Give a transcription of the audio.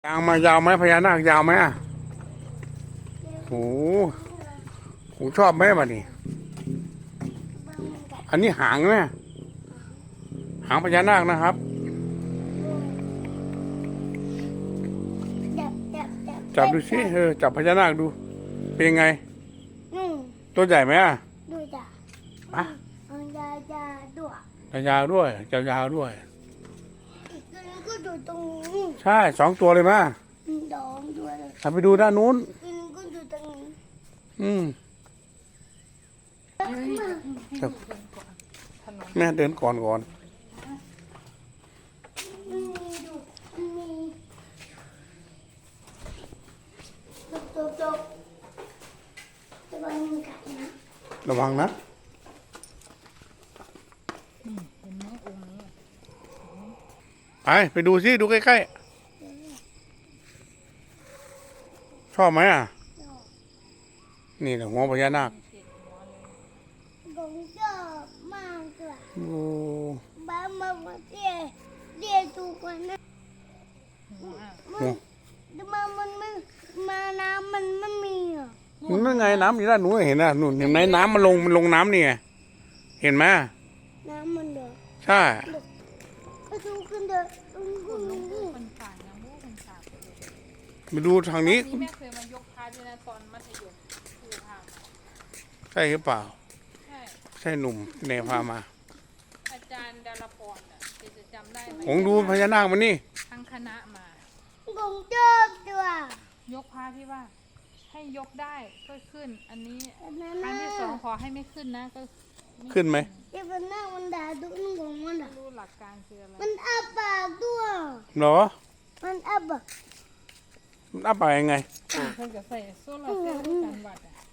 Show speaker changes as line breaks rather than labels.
ยางมายาวไหมพญานาคยาวไหมอ่ะโหผมชอบไหมบ้านี่อันนี้หางไหมหางพญานาคนะครับจับดูสิจับพญานาคดูเป็นยังไงตัวใหญ่ไหมอ่ะ
ดูจ้ะ
อ่ะ
ยาวด้วย
ยาวด้วย
อีกตัวนึงก็ดูตรงนี้
ใช่2 ตัวเลยมั้ย
ดองด้วย
ไปดูด้านนู้น
อีกนึงก็ดูตรงนี้
แม่เดินก่อน
มีจบระวังมันกัดนะ
ระวังนะไปดูสิดูใกล้ๆชอบไหมอ่ะนี่แหละหัวพญานาค
ผมชอบมากเลย
โอ้
บ้ามาเรียกถูกกว่านะมันไม่มาน้ำมันไม่มีอ่ะ
นั่นไงน้ำอยู่ด้านนู้นเห็นนะนู่นเห็นไหมน้ำมันลงน้ำนี่ไงเห็นไหม
น้ำมันเดือด
ใช่
ไปดูกันเดือด
มาดูทางนี้
แม่เคยมายกพาด้วยนะตอนมัธยมคือพา
ใช่หรือเปล่า
ใช่
ใช่หนุ่มเนพามา
อาจารย์ดาราพรจะจำได้ไหม
ผมดูพญานาคมันนี่
ทั้งคณะมา
ผมชอบด้วย
ยกพาที่ว่าให้ยกได้ก็ขึ้นอันนี้ครั้งที่2ขอให้ไม่ขึ้นนะก็
ขึ้นไหม
เดี๋ยวมันนั่งมันด่าดุนของมันอ่ะ
รู้หลักการคืออะไร
มันอ้าปากด้วย
เหรอ
มันอ้าปาก
มันอ้าปากยังไง
เพิ่งจะใส่โซลาร์เซลล์กันวัดอ่ะ